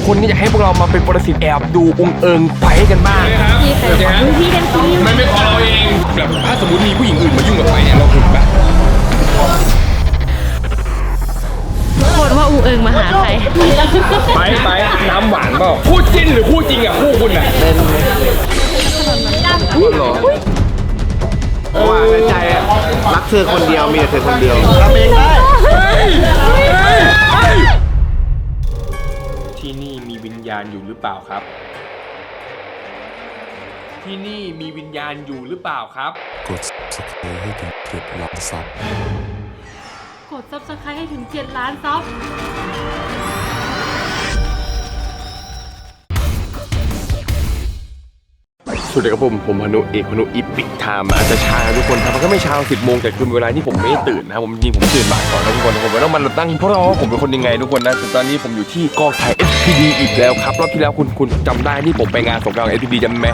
คนก็อยากให้พวกเรามาเป็นปรสิตแอบดูองค์เอิงไฟกันบ้างพี่เดนซีมันไม่พอเราเองแบบถ้าสมมติมีผู้หญิงอื่นมายุ่งกับไฟเนี่ยเราถึงปะโคตรว่าอูเอิงมาหาใครไปน้ำหวานเปล่าคู่จิ้นหรือคู่จริงอ่ะคู่คุณอ่ะเป็นหรอเพราะว่าในใจรักเธอคนเดียวมีแต่เธอคนเดียวทำเองได้ที่นี่มีวิญญาณอยู่หรือเปล่าครับ ที่นี่มีวิญญาณอยู่หรือเปล่าครับกด subscribe ให้ถึง7 ล้านซับกด subscribe ให้ถึง7 ล้านซับสวัสดีครับผมพานุเอกพานุอีพิกไทม์อาจจะช้านะทุกคนครับมันก็ไม่เช้า10 โมงแต่คือเวลาที่ผมไม่ตื่นนะผมจริงผมตื่นบ่ายก่อนนะทุกคนผมไม่ต้องมาตั้งเพราะว่าผมเป็นคนยังไงทุกคนนะแต่ตอนนี้ผมอยู่ที่กองถ่าย SPD อีกแล้วครับรอบที่แล้วคุณจำได้ที่ผมไปงานสงกรานต์ SPD จำไหม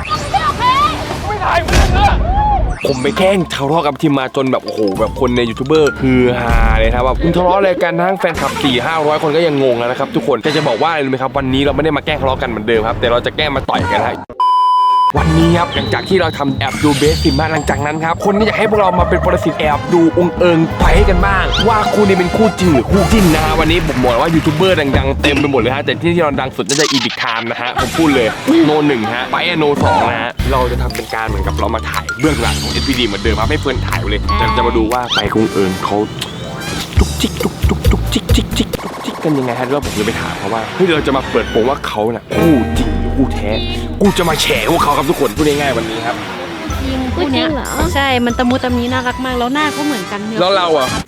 ผมไปแกล้งทะเลาะกับทีมมาจนแบบโอ้โหแบบคนในยูทูบเบอร์คือฮาเลยครับว่าคุณทะเลาะอะไรกันทั้งแฟนคลับ 400-500 คนก็ยังงงนะครับทุกคนจะบอกว่าอะไรรู้ไหมครับวันนี้เราไม่ได้มาแกล้งทะเลาะกันเหมือนเดิมครับแต่เราจะแกล้งมาต่อยกันครับวันนี้ครับหลังจากที่เราทำแอบดูเบสซิมมาหลังจากนั้นครับคนก็อยากให้พวกเรามาเป็นปรสิตแอบดูองค์เอิงไฟกันบ้างว่าคู่นี้เป็นคู่จริงหรือคู่จิ้นนะฮะวันนี้ผมบอกว่ายูทูบเบอร์ดังๆเต็มไปหมดเลยฮะแต่ที่เราดังสุดน่าจะอีพิกไทม์นะฮะผมพูดเลยโน1ฮะไปโน2นะฮะเราจะทำเป็นการเหมือนกับเรามาถ่ายเบื้องหลังของ SPD เหมือนเดิมครับให้เพื่อนถ่ายเลยจะมาดูว่าไปองค์เอิงเขาจุกจิกกันยังไงฮะแล้วผมจะไปถามเขาว่าเฮ้ยเราจะมาเปิดโปงว่าเขาน่ะคู่จริงหรือคู่แท้กูจะมาแฉพวกเขาครับทุกคนพูดง่ายๆวันนี้ครับจริงคู่เนี้ยใช่มันตะมูตะมีน่ารักมากแล้วหน้าก็เหมือนกันเนื้อแล้วเราอ่ะ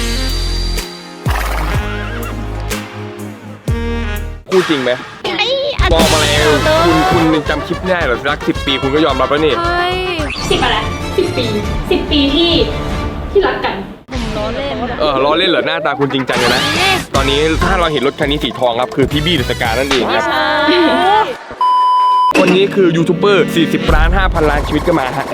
คู่จริงไหมบอกมาแล้วคุณจำคลิปได้เหรอรัก10 ปีคุณก็ยอมรับแล้วนี่ใช่ 10 อะไร10 ปีที่รักกันผมล้อเล่นล้อเล่นเหรอหน้าตาคุณจริงจังเลยนะตอนนี้ถ้าเราเห็นรถคันนี้สีทองครับคือพี่บี้เดอะสกานั่นเองครับคนนี้คือยูทูบเบอร์40 ล้าน 5,000 ล้านชีวิตก็มาฮะ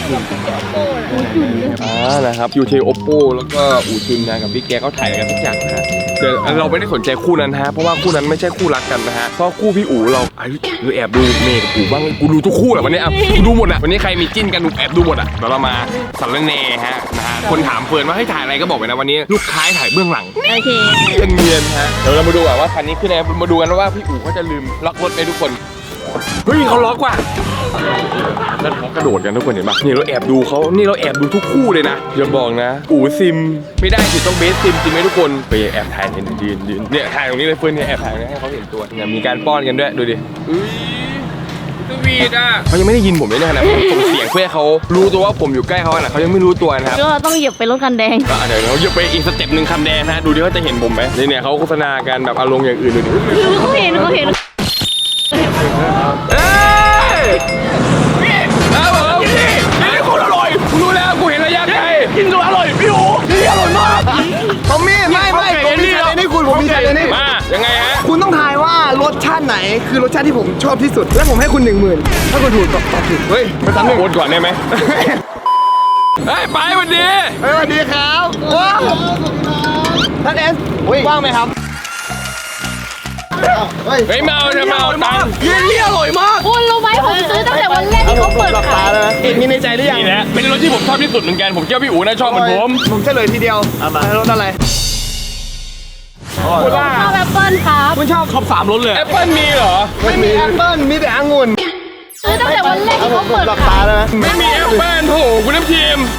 นะครับยูเทโอโปแล้วก็อูจุนนะกับพี่แกเขาถ่ายกันทุกอย่างนะฮะแต่เราไม่ได้สนใจคู่นั้นฮะเพราะว่าคู่นั้นไม่ใช่คู่รักกันนะฮะเพราะคู่พี่อู๋เราแอบดูเมย์กับอู๋บ้างกูดูทุกคู่แหละวันนี้อ่ะกูดูหมดอ่ะวันนี้ใครมีจิ้นกันแอบดูหมดอ่ะเดี๋ยวเรามาสารแหน่ฮะนะฮะคนถามเฟิร์นว่าให้ถ่ายอะไรก็บอกไปนะวันนี้ลูกค้าถ่ายเบื้องหลังโอเคยังเนียนฮะเดี๋ยวเรามาดูว่าคันนี้คือไงมาดูกันว่าพี่อู๋เขาจะลืมล็อกรถไหมทุกคนเฮ้ยเขาล็อกว่ะแล้วเขากระโดดกันทุกคนเห็นปะนี่เราแอบดูเขานี่เราแอบดูทุกคู่เลยนะอย่าบอกนะอู๋ซิมไม่ได้สิต้องเบสซิมจริงไหมทุกคนไปแอบถ่ายเห็นยืนเนี่ยถ่ายตรงนี้เลยเฟิร์นเนี่ยแอบถ่ายให้เขาเห็นตัวเนี่ยมีการป้อนกันด้วยดูดิสวีทอ่ะเขายังไม่ได้ยินผมเลยนะขณะผมเสียงเพื่อเขารู้ตัวว่าผมอยู่ใกล้เขาขนาดเขายังไม่รู้ตัวนะครับก็ต้องเหยียบไปรถคันแดงเดี๋ยวเราจะไปอีกสเต็ปหนึ่งคันแดงนะดูดิเขาจะเห็นผมไหมเนี่ยเขาโฆษณากันแบบอารมณ์อย่างอื่นดูดิเขาเห็นเอ้ยนี่นี่คนอร่อยกูรู้แล้วกูเห็นระยะไกลกินตัวอร่อยพี่โอ๋นี่อร่อยมากผมมีไม่ผมมีชาเลนจ์ให้คุณผมมีชาเลนจ์ให้มายังไงฮะคุณต้องทายว่ารสชาติไหนคือรสชาติที่ผมชอบที่สุดและผมให้คุณ10,000ถ้าคุณถูกตอบถูกเฮ้ยไปซ้ำหนึ่งโอนก่อนได้ไหมเฮ้ยไปวันดีสวัสดีครับว้าวท่านเอสว่างไหมครับเฮ้ยเมาจะเมาตังค์เยี่ยอร่อยมากคุณรู้ไหมผมซื้อตั้งแต่วันแรกที่เขาเปิดขายเอ็ดมีในใจหรือยังนี่แหละเป็นรถที่ผมชอบที่สุดเหมือนกันผมเชื่อพี่อู๋น่าชอบเหมือนผมผมเฉลยทีเดียวมารสอะไรชอบแอปเปิ้ลครับคุณชอบท็อป3รสเลยแอปเปิ้ลมีเหรอไม่มีแอปเปิ้ลมีแต่องุ่นซื้อตั้งแต่วันแรกที่เขาเปิดขายไม่มีแอปเปิ้ลโถคุณน้ำทีม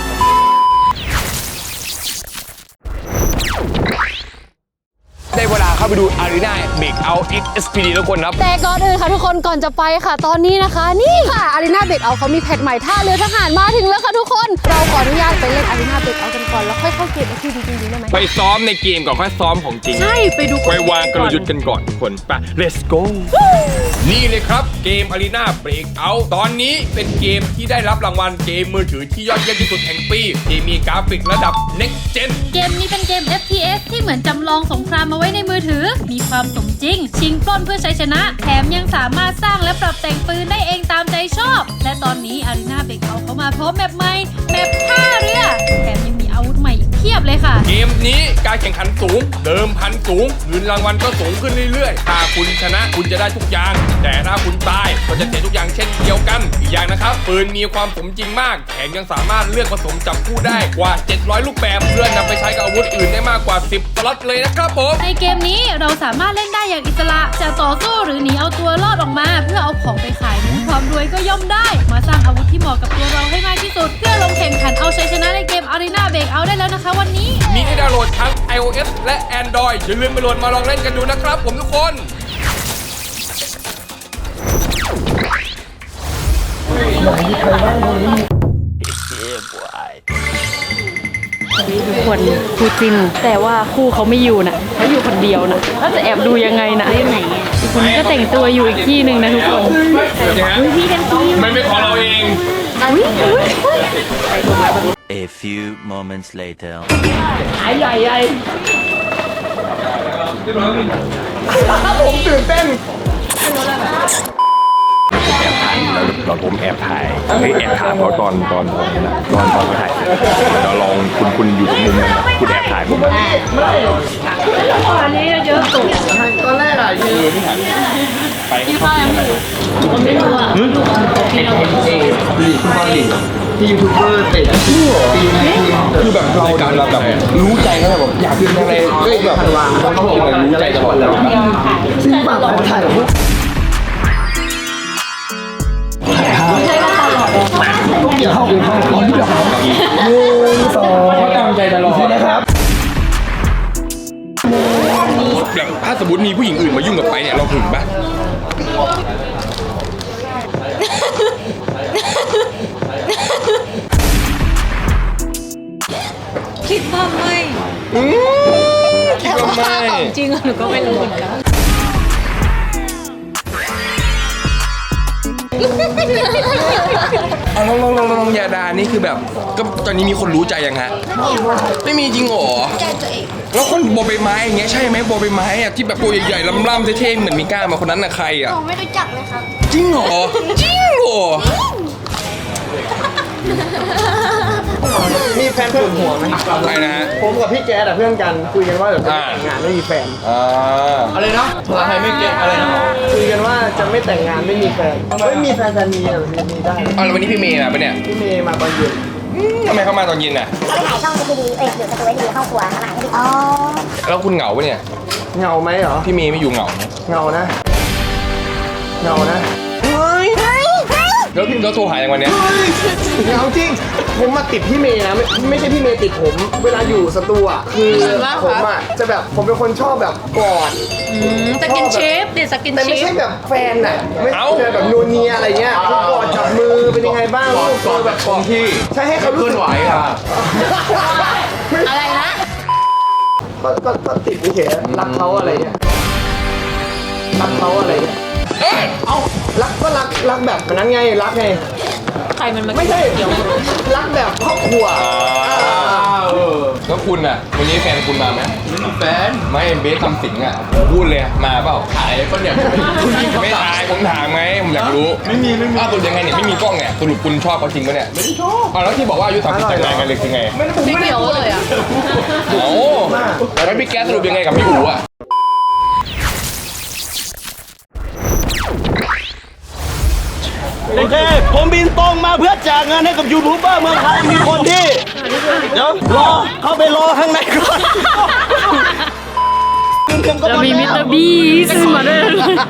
ได้เวลาเข้าไปดู Arena Breakout X SPD ทุกคนครับแต่ก่อนอื่นค่ะทุกคนก่อนจะไปค่ะตอนนี้นะคะนี่ค่ะ Arena Breakout เขามีแพทใหม่ท่าเรือทหารมาถึงแล้วค่ะทุกคนเราขออนุญาตไปเล่น Arena Breakout กันก่อนแล้วค่อยเข้าเกม SPD จริงๆได้ไหมไปซ้อมในเกมก่อนค่อยซ้อมของจริงใช่ไปดูไปวางกลยุทธ์กันก่อนทุกคนไป let's go นี่เลยครับเกม Arena Breakout ตอนนี้เป็นเกมที่ได้รับรางวัลเกมมือถือที่ยอดเยี่ยมที่สุดแห่งปีที่มีกราฟิกระดับ next gen เกมนี้เป็นเกม FPS ที่เหมือนจำลองสงครามมาไว้ในมือถือ มีความสมจริง ชิงปล้นเพื่อชัยชนะ แถมยังสามารถสร้างและปรับแต่งปืนได้เองตามใจชอบ และตอนนี้ Arena Breakout เขามาพร้อมแมปใหม่แมปท่าเรือ แถมยังมีอาวุธใหม่อีกเพียบเลยค่ะเกมนี้กการแข่งขันสูงเดิมพันสูงเงินรางวัลก็สูงขึ้นเรื่อยๆถ้าคุณชนะคุณจะได้ทุกอย่างแต่ถ้าคุณตายก็จะเสียทุกอย่างเช่นเดียวกันอีกอย่างนะครับปืนมีความสมจริงมากแถมยังสามารถเลือกผสมจับคู่ได้กว่า700ลูกแบบเพื่อนำไปใช้กับอาวุธอื่นได้มากกว่า10สล็อตเลยนะครับผมในเกมนี้เราสามารถเล่นได้อย่างอิสระจะต่อสู้หรือหนีเอาตัวรอดออกมาเพื่อเอาของไปขายนั้นความรวยก็ย่อมได้มาสร้างอาวุธที่เหมาะกับตัวเราให้มากที่สุดเพื่อลงแข่งขันเอาชัยชนะในเกม Arena Breakout ได้แล้วนะคะวันนี้มีให้ดาวน์โหลดทั้ง iOS และ Android อย่าลืมไปโหลดมาลองเล่นกันดูนะครับผมทุกคนทุกคนคู่จิ้นแต่ว่าคู่เขาไม่อยู่นะเขาอยู่คนเดียวนะแล้วจะแอบดูยังไงนะไหนอีกคนก็แต่งตัวอยู่อีกที่หนึ่งนะทุกคนพี่กันทีมันเป็นของเราเอง A few moments later. ใหญ่ผมตื่นเต้นผมแอบถ่ายแอบถ่ายเขาตอนเขาถ่ายเราลองคุณอยู่ตรงมุมนั้นคุณแอบถ่ายผมอันนี้เยอะสุดตอนแรกอะยืนไปที่ข้าวยังไม่รู้ไม่รู้อ่ะที่ยูทูบเบอร์เตะปีนี้คือแบบเราแบบรู้ใจเขาแบบอยากกินอะไรก็แบบเขาบอกว่ารู้ใจตลอดแล้วซึ่งแบบถ่ายแบบเดี๋ยวเข้าไปห้องก่อนที่จะหา1 2เขาตามใจตลอดนะครับแบบถ้าสมมติมีผู้หญิงอื่นมายุ่งกับไปเนี่ยเราหึงปะคิดว่าไม่คิดว่าไม่จริงหนูก็ไม่รู้เหมือนกันเอาลองยาดานี่คือแบบก็ตอนนี้มีคนรู้ใจยังฮะไม่มีจริงเหรอแล้วคนบอใบไม้อย่างเงี้ยใช่ไหมบอใบไม้อะที่แบบตัวใหญ่ๆล่ำๆเท่ๆเหมือนมีก้ามาคนนั้นน่ะใครอะผมไม่รู้จักเลยครับจริงเหรอจริงเหรอมีแฟนปวดหัวไหมใครนะฮะผมกับพี่แจ๊ดอะเพื่อนกันคุยกันว่าเดี๋ยวจะแต่งงานไม่มีแฟนอะไรนะใครไม่เก็ตอะไรนะคุยกันว่าจะไม่แต่งงานไม่มีแฟนไม่มีแฟนจะมีอะมีได้แล้ววันนี้พี่เมย์มาปะเนี่ยพี่เมย์มาตอนเย็นทำไมเขามาตอนเย็นน่ะเขาไปถ่ายช่องทีวีอยู่สตูดิโอเข้าครัวทำอาหารให้ดีอ๋อแล้วคุณเหงาปะเนี่ยเหงาไหมเหรอพี่เมย์ไม่อยู่เหงาไหมเหงานะเหงานะแล้วโทรหาอย่างวันเนี้ยเหงาจริงผมมาติดพี่เมย์นะไม่ใช่พี่เมย์ติดผม เวลาอยู่สตูอะคือผมอะจะแบบผมเป็นคนชอบแบบกอดสกินชิปดิสกินแต่ชิไม่ปใช่แบบแฟนอะไม่ใช่แบบนูเนียอะไรเงี้ยคือกอดจับมือเป็นยังไงบ้างลูกกอดแบบกอดที่ใช่ให้เขารู้สึกไหวอะอะไรนะก็ติดเฉยๆรักเขาอะไรเงี้ยรักเขาอะไรเงี้ยเอ้ารักก็รักแบบนั้นไงรักไงใครมันมาไม่ใช่รักแบบครอบครัวแล้วคุณอ่ะวันนี้แฟนคุณมาไหมไม่มีแฟนไม่เบสทำสิงอ่ะพูดเลยมาเปล่าถ่ายก็เนี่ยไม่ถ่ายผมถามไหมผมอยากรู้ไม่มีอ้าวคุณยังไงเนี่ยไม่มีกล้องเนี่ยสรุปคุณชอบเขาจริงปะเนี่ยไม่ชอบแล้วที่บอกว่าอายุ30แต่งงานกันเลยคือไงไม่เกี่ยวเลยอ่ะโอ้แล้วพี่แก๊สสรุปยังไงกับพี่อู๋อ่ะโอเค ผมบินตรงมาเพื่อแจกเงินให้กับยูทูบเบอร์เมืองไทย มีคนที่ เดี๋ยวรอ เข้าไปรอข้างในก่อนเรามีมิสเตอร์บีซึ่งมาด้วย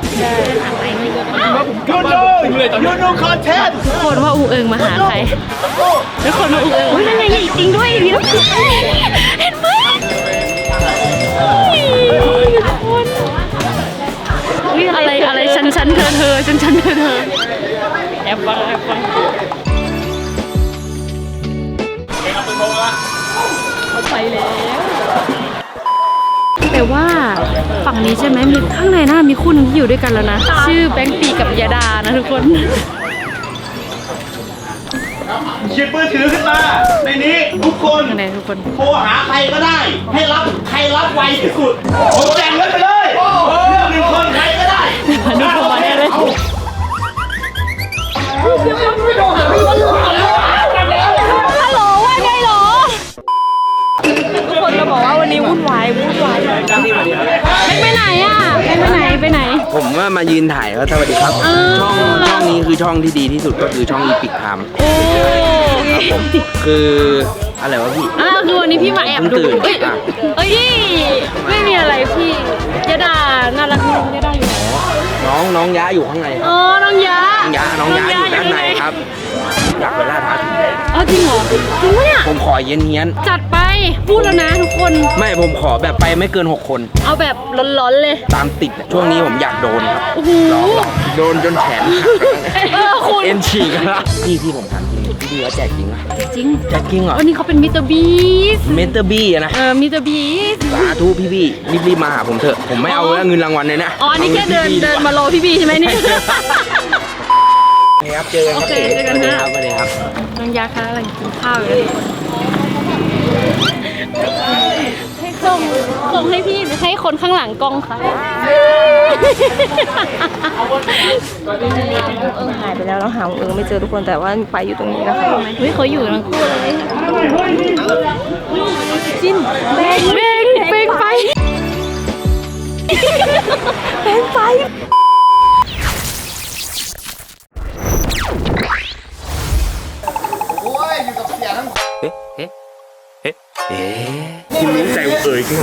ยูโนคอนเทนต์ทุกคนว่าอูเอิงมาหาใครทุกคนว่าอูเอิงนั่นไงจริงด้วยพี่ต้องเห็นไหมอะไรฉันเธอฉันเธอแอบฟังไปแล้วแต่ว่าฝั่งนี้ใช่ไหมมีข้างในน่ามีคู่หนึงที่อยู่ด้วยกันแล้วนะชื่อแบงค์ปีกับยาดานะทุกคนหยิบมือถือขึ้นมา ในนี้ทุกคนข้างในทุกคนโทรหาใครก็ได้ ให้รับใครรับไวที่สุด ผมแจกเงินไปเลยเลือก1 คนใครก็ได้ดูเข้ามาได้เลย ฮัลโหลว่าไงหรอ ทุกคนเราบอกว่าวันนี้วุ่นวายไปไหนอ่ะไปไหนไปไหนผมว่ามายืนถ่ายแล้วสวัสดีครับ ช่องนี้คือช่องที่ดีที่สุดก็คือช่องอีพิกไทม์โอ้ครับผมคืออะไรวะพี่คือวันนี้พี่มาแอบดูตื่นเอ้ยอ่ะเอ้ยไม่มีอะไรพี่ยะดาน่ารักมากยะดาอยู่ไหนน้องย้าอยู่ข้างในอ๋อน้องยะน้องย้าอยู่ด้านในครับอยากไปล่าท้าผีเอาจริงเหรอจริงปะเนี่ยผมขอเฮี้ยนจัดไปพูดแล้วนะทุกคนๆไม่ผมขอแบบไปไม่เกิน 6 คนเอาแบบร้อนๆเลยตามติดอะช่วงนี้ผมอยากโดนครับโอ้โหโดนจนแขนหักคุณเอ็นฉีกแล้วพี่ผมถามจริงพี่เขาแจกจริงไหมจริงแจกจริงเหรอวันนี้เขาเป็นมิสเตอร์บีสเมเตอร์บี้นะมิสเตอร์บีสสาธุพี่รีบมาหาผมเถอะผมไม่เอาเงินรางวัลเลยนะอ๋อนี่แค่เดินมารอพี่บีใช่ไหมเนี่ยโอเคครับเจอกันครับโอเคเจอกันนะสวัสดีครับน้องยาคะอะไรกินข้าวอยู่ให้ส่งให้พี่หรือให้คนข้างหลังกล้องคะหายไปแล้วเราหาไม่เจอทุกคนแต่ว่าไปอยู่ตรงนี้นะคะเฮ้ยเขาอยู่ทั้งคู่เลยจิ้นเบงไปเบงไปคุณรู้ใจเอ่ยข้างไหน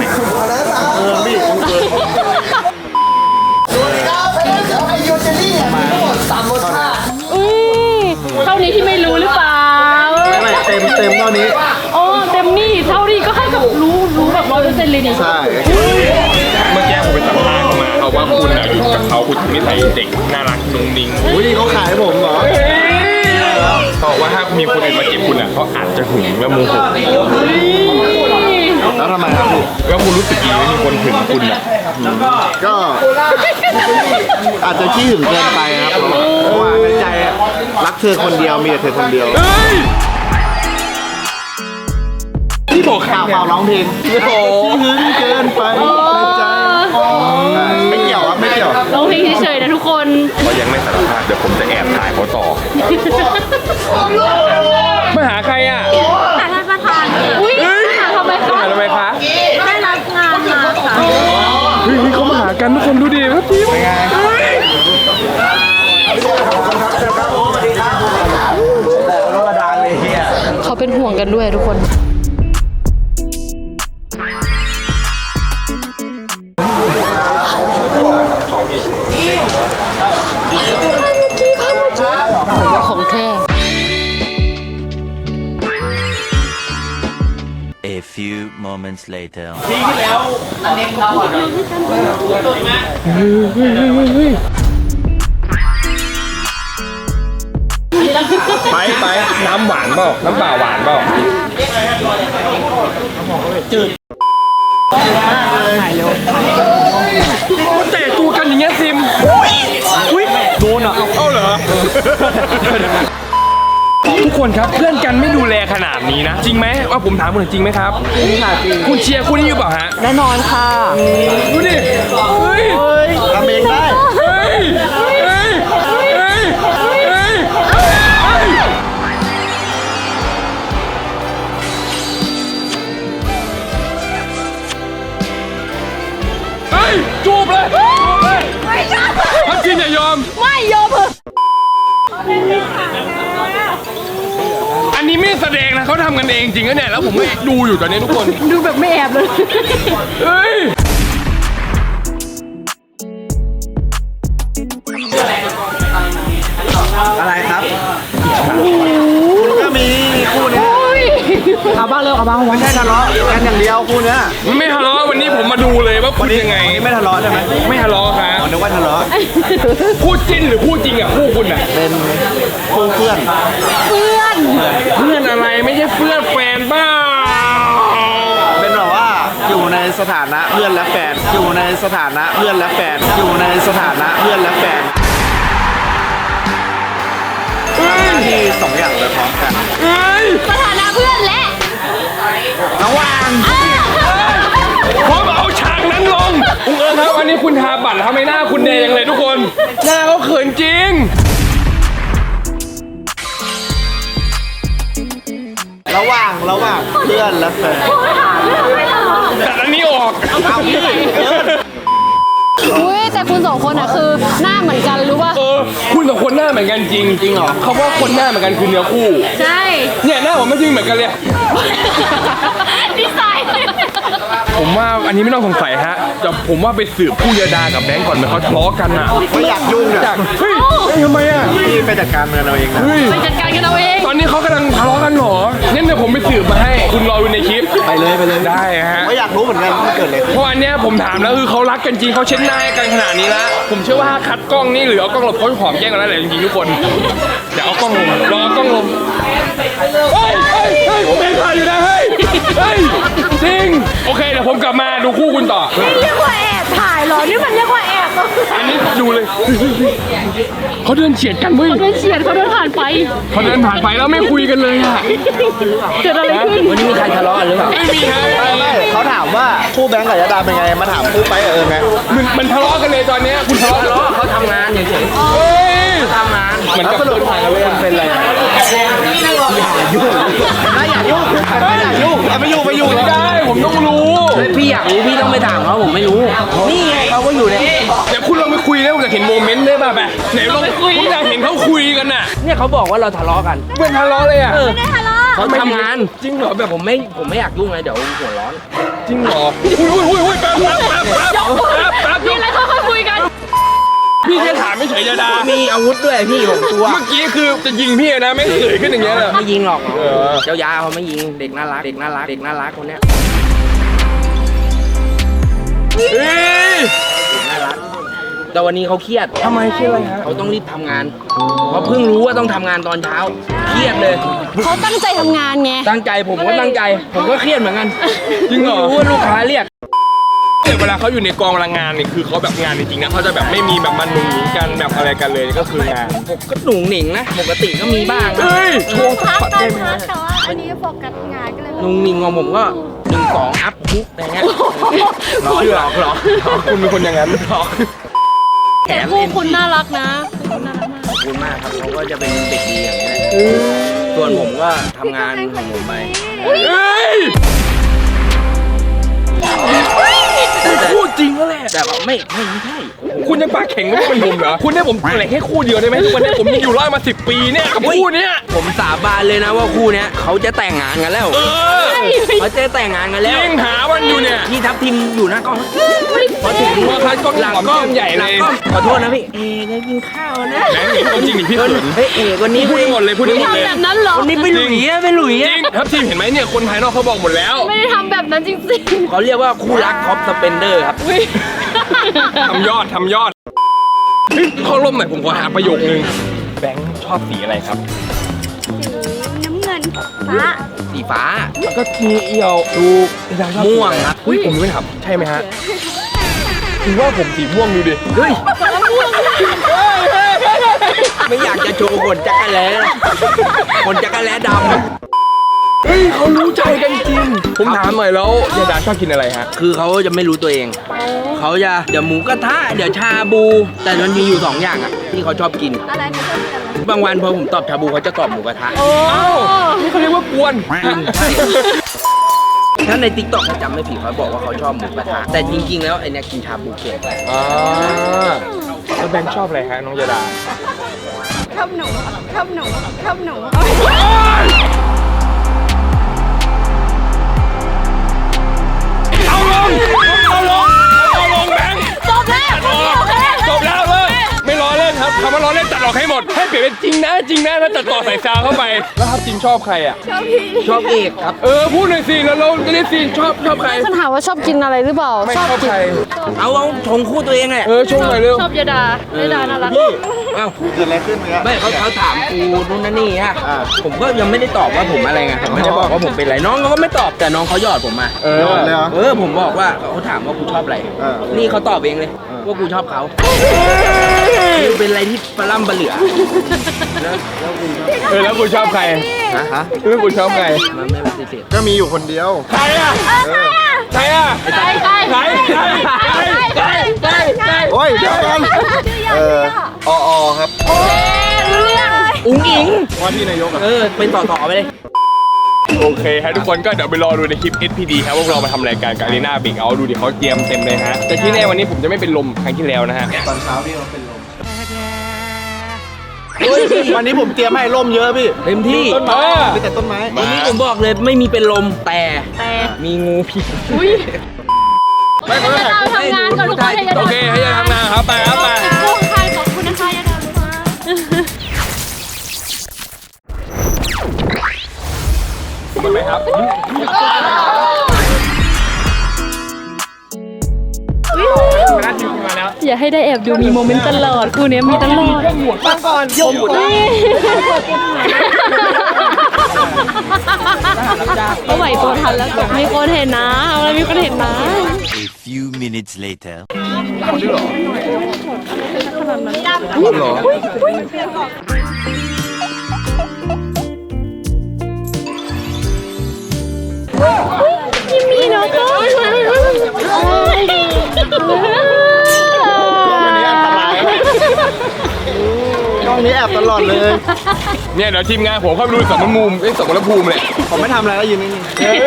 เท่านี้ที่ไม่รู้หรือเปล่าไม่เต็มเท่านี้อ๋อเต็มนี่เท่านี้ก็ให้กับรู้แบบ100%เลยนี่ใช่เมื่อกี้ผมไปสัมภาษณ์มาเขาว่าคุณอะอยู่กับเขาคุณนิสัยเด็กน่ารักนุ่งนิ่งอุ้ยเขาขายผมเหรอเขาบอกว่าถ้ามีคนอื่นมาจีบคุณอะเขาอาจจะหึงและโมโหแล้วทำไมครับพี่แล้วคุณรู้สึกดีไหมมีคนหึงคุณอะก็อาจจะขี้หึงเกินไปครับเพราะว่าในใจอะรักเธอคนเดียวมีแต่เธอคนเดียวที่บอกใครเปล่าเนี่ยร้องเพลงขี้หึงเกินไปในใจไม่เกี่ยวครับไม่เกี่ยวร้องเพลงเฉยๆนะทุกคนเขายังไม่สารภาพเดี๋ยวผมจะแอบถ่ายเขาต่อมาหาใครอะแต่ท่านประธานอุ้ยทำไมคะทำไมคะได้รับงานมาค่ะเฮ้ยเขามาหากันทุกคนดูดิครับพี่เป็นไงเขาเป็นห่วงกันด้วยทุกคน ของแท้ A few moments later. ไปน้ำหวานเปล่าน้ำเปล่าหวานเปล่าจืดแต่ตัวกันอย่างเงี้ยซิมอุ้ยโดนอ่ะเอาเหรอทุกคนครับเพื่อนกันไม่ดูแลขนาดนี้นะจริงไหมว่าผมถามคุณจริงไหมครับจริงค่ะจริงคุณเชียร์คู่นี้อยู่เปล่าฮะแน่นอนค่ะดูดิเฮ้ยทำเองได้เฮ้ยเฮ้ยเฮ้ยเฮ้ยเฮ้ยเฮ้ยจูบเลยพัดจินอย่ายอมไม่ยอมเหอะอันนี้ไม่แสดงนะเขาทำกันเองจริงนะเนี่ยแล้วผมไม่ดูอยู่ตอนนี้ทุกคนดูแบบไม่แอบเลยเฮ้ยอะไรครับก็มีคู่เนี้ยเอาบ้างเร็วเอาบ้างไม่ใช่ทะเลาะกันอย่างเดียวคู่เนี้ยไม่ทะเลาะวันนี้ผมมาดูเลยว่าคุณยังไงไม่ทะเลาะใช่ไหมไม่ทะเลาะครับนึกว่าทะเลาะพูดจิ้นหรือพูดจริงอ่ะคู่คุณอ่ะเป็นคู่เพื่อนเพื่อนอะไรไม่ใช่เพื่อนแฟนบ้าเป็นแบบว่าอยู่ในสถานะเพื่อนและแฟนอยู่ในสถานะเพื่อนและแฟนอยู่ในสถานะเพื่อนและแฟนที่สองอย่างเลยพร้อมกันเฮ้ยสถานะเพื่อนและระหว่างผมเอาฉากนั้นลงคุณเอิญครับวันนี้คุณทาบัตรทำไมหน้าคุณแดงเลยทุกคน หน้าเขาเขินจริงระหว่างเพื่อนและแฟนถามตัดอันนี้ออกอุ้ยแต่คุณสองคนอ่ะคือหน้าเหมือนกันรู้ป่ะคุณสองคนหน้าเหมือนกันจริงเหรอเขาว่าคนหน้าเหมือนกันคือเนื้อคู่ใช่เนี่ยหน้าผมไม่จริงเหมือนกันเลยดีไซน์ผมว่าอันนี้ไม่ต้องสงสัยฮะแต่ผมว่าไปสืบคู่ยาดากับแบงก์ก่อนเหมือนเขาทะเลาะกันอ่ะไม่อยากยุ่งอ่ะจากเฮ้ยทำไมอ่ะพี่ไปจัดการมันเอาเองนะเฮ้ยไปจัดการกันเอาเองตอนนี้เขากำลังทะเลาะกันเหรองั้นเดี๋ยวผมไปสืบมาให้คุณรอดูในคลิปไปเลยได้ฮะไม่อยากรู้เหมือนกันว่าเกิดอะไรขึ้นเพราะอันเนี้ยผมถามแล้วคือเขารักกันจริงเขาเช็ดหน้าให้กันขนาดนี้แล้วผมเชื่อว่าถ้าคัดกล้องนี่หรือเอากล้องหลบเขาหอมแย่งกันแล้วแหละจริงๆทุกคนเดี๋ยวเอากล้องลงรอเอากล้องลงเฮ้ยผมเห็นถ่ายอยู่นะเฮ้ยจริงโอเคเดี๋ยวผมกลับมาดูคู่คุณต่อเรียกว่าแอบถ่ายเหรอ นี่มันเรียกว่าแอบเหรออันนี้ดูเลยเขาเดินเฉียดกันเว้ยเขาเดินเฉียดเขาเดินผ่านไปเขาเดินผ่านไปแล้วไม่คุยกันเลยอะเกิดอะไรขึ้นวันนี้มีใครทะเลาะกันหรือเปล่าไม่มีฮะไม่เขาถามว่าคู่แบงค์กับยาดาเป็นไงมาถามคู่ไปกับไงมันทะเลาะกันเลยตอนเนี้ยคุณทะเลาะกันเหรอเขาทำงานเฉยเฮ้ยๆทำงานเหมือนกับเดินผ่านกันเลยอะเป็นอะไรไม่อยากยุ่งไปอยู่ไม่ได้ผมต้องรู้เฮ้ยพี่อยากรู้พี่ต้องไปถามเขาผมไม่รู้ นี่ไงเขาก็อยู่ในเดี๋ยวคุณลองไปคุยนะผมจะเห็นโมเมนต์ได้ป่ะแบบไหนลองคุยผมอยากเห็นเขาคุยกันน่ะเนี่ยเขาบอกว่าเราทะเลาะกันเป็นทะเลาะเลยอ่ะเขาทำงานจริงเหรอแบบผมไม่อยากยุ่งเลยเดี๋ยวหัวร้อนจริงเหรออุ้ยแป๊บยกอะไรค่อยๆคุยกันพี่แค่ถามไม่เฉยยาดามีอาวุธด้วยพี่ผมกลัวเมื่อกี้คือจะยิงพี่นะไม่เสยขึ้นอย่างเงี้ยเลยไม่ยิงหรอกเออเจ้ายาเขาไม่ยิงเด็กน่ารักคนเนี้ยเฮ้ยน่ารักแต่วันนี้เขาเครียดทำไมเครียดอะไรฮะเขาต้องรีบทำงานเพราะเพิ่งรู้ว่าต้องทำงานตอนเช้าเครียดเลยเขาตั้งใจทำงานไงตั้งใจผมก็ตั้งใจ ผมก็เครียดเหมือนกันจริงเหรอรู้ว่าลูกค้าเรียกเวลาเขาอยู่ในกองพลังงานนี่คือเขาแบบงานจริงๆนะเขาจะแบบไม่มีแบบมันหนุนหนิงกันแบบอะไรกันเลยก็คืองานผมก็หนุ่งหนิงนะปกติก็มีบ้างนะเฮ้ยโชว์สักปัดได้ไหมฮะแต่ว่าอันนี้โฟกัสงานก็เลยหนุ่งหนิงของผมก็1-2อัพคุกอะไรเงี้ยหลอกคุณเป็นคนอย่างนั้นแถแต่มคู่เอ็มคุณน่ารักนะคุณน่ารักมากขอบคุณมากครับเขาก็จะเป็นเด็กดีอย่างนี้แหละส่วนผมก็ทำงานของผมไปเฮ้ยพูดจริงแล้วแหละแต่ว่าไม่ใช่คุณยังปากแข็งไม่เป็นผมเหรอคุณให้ผมเหลือแค่คู่เดียวได้ไหมทุกวันนี้ผมยังอยู่รอดมา10 ปีเนี่ยกับคู่เนี้ยผมสาบานเลยนะว่าคู่เนี้ยเขาจะแต่งงานกันแล้ว เขาจะแต่งงานกันแล้วยิ่งหาวันอยู่เนี่ยพี่ทับทิมอยู่หน้ากล้องพอถึงว่าคัดกล้องหลังหอมกล้องใหญ่เลยงขอโทษนะพี่ได้กินข้าวนะแบงค์หนีเอาจริงหนิพี่เขินเฮ้ยคนนี้พูดให้หมดเลยพูดให้หมดเลยทำแบบนั้นเหรอคนนี้ไปหลุยอะไปหลุยจอะริงครับทีมเห็นไหมเนี่ยคนภายนอกเขาบอกหมดแล้วไม่ได้ทำแบบนั้นจริงเขาเรียกว่าคู่รักท็อปสเปนเดอร์ครับทำยอดเฮ้ยเข้าร่มหน่อยผมขอหาประโยคนึงแบงค์ชอบสีอะไรครับน้ำเงินฟ้าสีฟ้าแล้วก็มีเอี่ยวดูดาวชอบสีม่วงอะไครับอุ้ยผมไม่ถามใช่ไหมฮะคือว่าผมสีม่วงดูดิเฮ้ยไม่อยากจะโชว์ขนจักรแล้ขนจักรแล้ดำเฮ้ยเขารู้ใจกันจริงผมถามหน่อยแล้วยาดาชอบกินอะไรฮะคือเขาจะไม่รู้ตัวเอง เขาจะเดี๋ยวหมูกระทะเดี๋ยวชาบู แต่มันมีอยู่2อย่างอ่ะที่เขาชอบกินอะไรที่ชอบกินอะไรบางวันพอผมตอบชาบูเขาจะตอบหมูกระทะๆ โอ้เอ้านี่เขาเรียกว่ากวนใช่ ถ้าในติ๊กต็อกจำไม่ผิดเขาบอกว่าเขาชอบหมูกระทะแต่จริงๆแล้วไอเนี้ยกินชาบูเก่งอ่าแล้วแบงค์ชอบอะไรฮะน้องยาดาชอบหนูชอบหนูชอบหนูเอาลงแบงค์จบแล้วโอเคจบแล้วเลยไม่ล้อเล่นครับคำว่าล้อเล่นตัดออกให้หมดให้เปลี่ยนเป็นจริงนะแล้วตัดต่อใส่ซาวเข้าไปแล้วครับจริงชอบใครอ่ะชอบเอกครับพูดหน่อยสิแล้วเราจะได้ซีนชอบใครฉันถามว่าชอบกินอะไรหรือเปล่าไม่ชอบใครเอาชงคู่ตัวเองแหละชมหน่อยเร็วชอบยาดาน่ารักเอ้าเกิดอะไรขึ้นเนี่ยไม่เขาถามกูนู่นนั่นนี่ฮะอ่าผมก็ยังไม่ได้ตอบว่าผมอะไรไงผมไม่ได้บอกว่าผมเป็นอะไรน้องเขาก็ไม่ตอบแต่น้องเขาหยอดผมมายอดเลยเหรอผมบอกว่าเขาถามว่ากูชอบอะไร นี่เขาตอบเองเลยว่ากูชอบเขาคือเป็นอะไรที่ปลาล่ำปลาเหลือแล้วคุณชอบใครฮะแล้วคุณชอบใครมันไม่ปฏิเสธก็มีอยู่คนเดียวใครอ่ะใครอ่ะใครโอ้ยเดี๋ยวกันอครับอุ้งอิงว่าที่นายกอ่ะเป็นต่อไปเลยโอเคฮะทุกคนก็เดี๋ยวไปรอดูในคลิป SPD ครับว่าเรามาทำรายการกับอารีนาเบรกเอาดูดิเขาเตรียมเต็มเลยฮะแต่ที่แน่วันนี้ผมจะไม่เป็นลมครั้งที่แล้วนะฮะตอนเช้าพี่เราเป็นลมวันนี้ผมเตรียมให้ร่มเยอะพี่เต็มที่ต้นไม้มีแต่ต้นไม้วันนี้ผมบอกเลยไม่มีเป็นลมแต่มีงูพิษไม่เขาจะถ่ายเราทำงานก่อนทุกคนให้โอเคให้ยาทำงานครับไปครับไปโอ้ใครขอบคุณนะคะยาดามันไหมครับมาแล้วทีมมาแล้วอย่าให้ได้แอบดูมีโมเมนต์ตลอดคู่เนี้ยมีตลอดฟังก่อนยกหัวก็ไหวตัวทันแล้วมีคนเห็นนะเอาแล้วมีคนเห็นนะ A few minutes later. ยังมีเนาะก็ช่องนี้แอบตลอดเลยเนี่ยเดี๋ยวทีมงานผมเข้าไปดูสมรภูมิสมรภูมิเลยผมไม่ทำอะไรแล้วยืนนิ่ง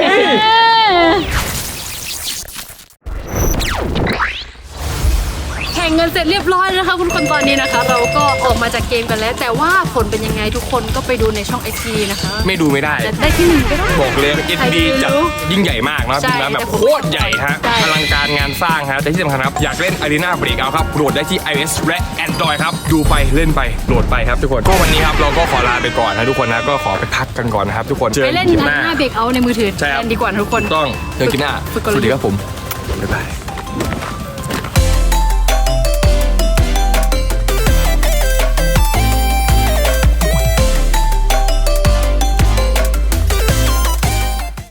แข่งเงินเสร็จเรียบร้อยแล้วนะคะคุณคนตอนนี้นะคะ เราก็ออกมาจากเกมกันแล้ว แต่ว่าผลเป็นยังไงทุกคนก็ไปดูในช่อง SD นะคะไม่ดูไม่ได้จะได้ที่หนึ่งก็ได้บอกเลย SPD จัดยิ่งใหญ่มากนะใช่ทีมงานแบบโคตรใหญ่ฮะใช่อลังการงานสร้างฮะแต่ที่สำคัญครับอยากเล่น Arena Breakout ครับโหลดได้ที่ iOS และ Android ครับดูไปเล่นไปโหลดไปครับทุกคนก็วันนี้ครับเราก็ขอลาไปก่อนนะทุกคนนะก็ขอไปพักกันก่อนนะครับทุกคนเจอไปกันเล่นคลิปหหน้าน้าเบรกเอาในมือถือใช่ครับแทนดีกว่านะทุกคนต้องเจอกันคลิปหน้าฝึกกลสยุทธ์วัสดีครับผมบ๊ายบาย